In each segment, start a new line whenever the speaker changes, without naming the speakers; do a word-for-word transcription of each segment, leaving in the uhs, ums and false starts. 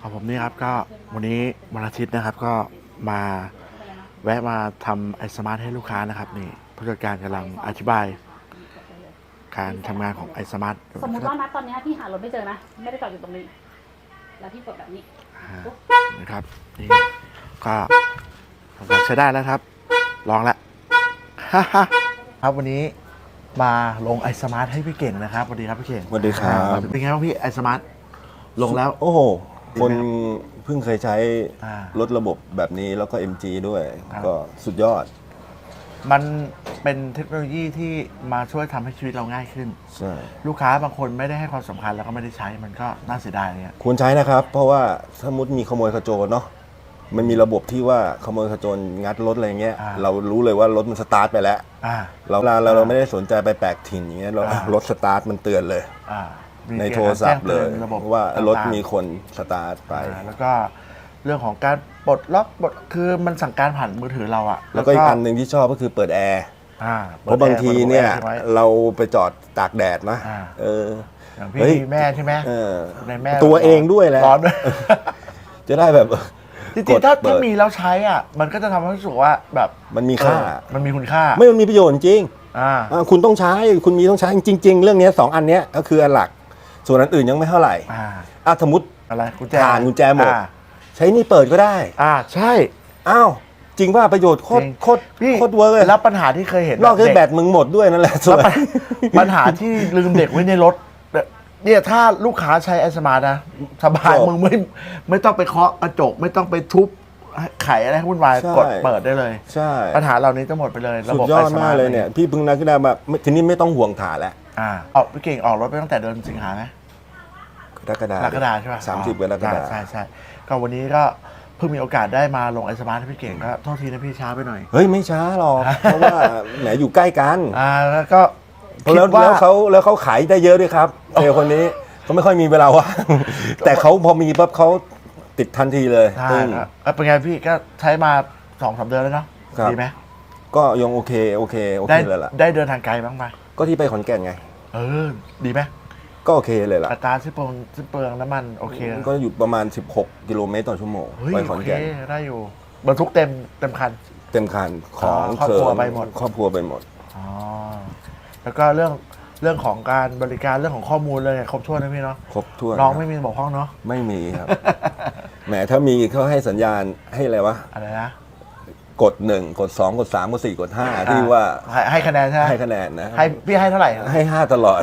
ของผมนี่ครับก็วันนี้วันอาทิตย์นะครับก็มาแวะมาทำไอสมาร์ทให้ลูกค้านะครับนี่ผู้จัดการกำลังอธิบาย การทำงานของไอสมาร์ท
สมมติว่านะตอนนี้พี่หารถไม่เจอนะไม่ได้จอดอยู่ตรงนี้แล้วพี่กดแบบนี้
นะครับนี่ก็ทำการใช้ได้แล้วครับลองแล้ว ครับวันนี้มาลงไอสมาร์ทให้พี่เก่งนะครับสวัสดีครับพี่เก่ง
สวัสดีครับ
เป็นไงบ้างพี่ไอสมาร์ทลงแล้ว
โอ้โหคนเพิ่งเคยใช้
อ่าร
ถระบบแบบนี้แล้วก็ เอ็ม จี ด้วย
ครับ
ก็สุดยอด
มันเป็นเทคโนโลยีที่มาช่วยทำให้ชีวิตเราง่ายขึ้น
ใช่
ลูกค้าบางคนไม่ได้ให้ความสำคัญแล้วก็ไม่ได้ใช้มันก็น่าเสียดายเนี่ย
ควรใช้นะครับ เพราะว่าสมมติมีขโมยขโจรเนาะมันมีระบบที่ว่าขโมยขโจรงัดรถอะไรเงี้ยเรารู้เลยว่ารถมันสตาร์ทไปแล้ว
อ่า
เราเราเราไม่ได้สนใจไปแปลกถิ่นอย่างเงี้ยเรา
อ่าร
ถสตาร์ทมันเตือนเลย
อ่ามี
ในโทรศัพท์เลย
แจ้งตือนระบบ
ว่ารถ
ต่งๆ
มีคนสตาร์ทไป
อ่าแล้วก็เรื่องของการปลดล็อกปลดคือมันสั่งการผ่านมือถือเราอะ
แล้วก็อีกอันหนึ่งที่ชอบก็คือเปิดแอร์
อ่า
เพราะบางทีเนี่ย
ปิดแอร์ใช่ไหม
เราไปจอดตากแดดนะ
อ่า
เออ
อย่างพี่
เฮ้ย
มีแม่ใช่ไหม
เออ
ในแม่
ตัวเองด้วยแหละ
ร้อนด้วย
จะได้แบบ
จริงๆถ้า
ดเปิ
ถ้า
ด
มีแล้วใช้อ่ะมันก็จะทำให้รู้สึกว่าแบบ
มันมีค่า
เออมันมีคุณค่า
ไม่มันมีประโยชน์จริง
อ่า
อ่าคุณต้องใช้คุณมีต้องใช้จริง ๆ เรื่องเนี้ยสองอันเนี้ยก็คืออันหลัก ส่วนอันอื่นยังไม่เท่าไหร่
อ่า
อ่ะสมมติ
อะไรกุญแจ
ผ่านกุญแจหมด
อ่า
ใช้นี่เปิดก็ได้
อ่าใช่
อ้าวจริงว่าประโยชน์โคตร
จริง
โคตร
พี่
โคตรเวิร์กเลย
แล้วปัญหาที่เคยเห็น
นอกจาก
เด็
แบตมึงหมดด้วยนั่นแหละส่
แล้ว
วน
ปัญปัญหาที่ลืมเด็กไว้ในรถเนี่ยถ้าลูกค้าใช้ไอสมาร์ทนะสบายมึงไม่ไม่ต้องไปเคาะกระจกไม่ต้องไปทุบไขอะไรให้วุ่นวายกดเปิดได้เลย
ใช่
ปัญหาเหล่านี้จะหมดไปเลยระ
สุ
บบ
ดยอด
iSmart
มากเลยเนี่ยพี่เพิ่งนึกขึ้นได้มาทีนี้ไม่ต้องห่วงฐานแล้ว
อ่าออกพี่เก่งออกรถไปตั้งแต่เดือนสิงหาไหม
กรกฎาก
รกฎาใช่ป่ะ
สามสิบกรกฎา
ใช่ใช่ก็วันนี้ก็เพิ่งมีโอกาสได้มาลงไอสมาร์ทให้พี่เก่งก็โทษทีนะพี่ช้าไปหน่อย
เฮ้ยไม่ช้าหรอก เพราะว่าแหมอยู่ใกล้กัน
อ่าแล้วก็คิด
แล้ว
ว่า
แล้วเขาแล้วเขาขายได้เยอะด้วยครับเซลล์คนนี้เขาไม่ค่อยมีเวลาว่าง แต่เขาพอมีปั๊บเขาติดทันทีเลย
ใช่
ซึ่ง
ครับเอ้ยเป็นไงพี่ก็ใช้มาสองสามเดือนแล้วเนาะ
ครับ
ดีไหม
ก็ยังโอเคโอเคโอ
ได้
เคเลยล่ะ
ได้เดินทางไกลบ้างไหม
ก็ที่ไปขอนแก่นไง
เออดีไหม
ก็โอเคเลยล่ะ
อัตราสิ้นเปลืองสิ้นเปลืองน้ำมันโอเค
ก็อยู่ประมาณ สิบหก กิโลเมตรต่อชั่วโมง
เฮ้ย
ไปขอ
โอน เค
แก่น
ได้อยู่บรรทุกเต็มเต็มคัน
เต็มคันของ
อ๋อครอบครัว
เสม
ไปหมด
ครอบครัวไปหมด
อ๋อแล้วก็เรื่องเรื่องของการบริการเรื่องของข้อมูลเลยครบถ้วนนะพี่เนาะ
ครบถ้วน
น้อง
ครับ
ไม่มีบอกห้องเนาะ
ไม่มีครับ แหมถ้ามีเขาให้สัญญาณให้อะไรวะ
อะไรนะ
กดหนึ่งกดสองกดสามกดสี่กดห้าที่ว่า
ให้ให้คะแนนใช่ไหม
ให้คะแนนนะ
ให้พี่ให้เท่าไหร่
ให้ห้าตลอด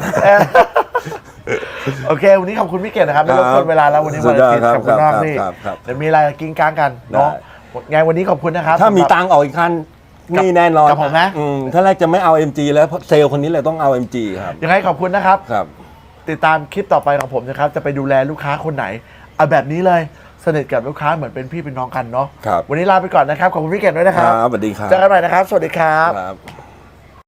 โอเค วันนี้ขอบคุณพี่เก่งนะครับไม่รบกวนเวลาแล้ววันนี้
สุ
วัน
ดย
อา
อด
ทิตย์
ครับ
ขอบคุณมาก
ครับ
พี่
ครับครับ
เดี๋ยวมีอะไรกิ้งก้างกันเนาะไงวันนี้ขอบคุณนะครับ
ถ้ามี
สำหรับ
ตังค์ออกอีกคันนี่แน่นอน
กับผมนะ
อืมถ้าแรกจะไม่เอา เอ็ม จี แล้วเพราะเซลล์คนนี้เลยต้องเอา เอ็ม จี ครับ
ยังไงขอบคุณนะครับ
ครับ
ติดตามคลิปต่อไปของผมนะครับ จะไปดูแลลูกค้าคนไหนเอาแบบนี้เลยสนิทกับลูกค้าเหมือนเป็นพี่เป็นน้องกันเนาะ
ครับ
วันนี้ลาไปก่อนนะครับขอบคุณพี่เก่งด้วยนะครับ
ครับสวัสดีครับ
เจอกันใหม่นะครับ สวัสดีครับ
ครับ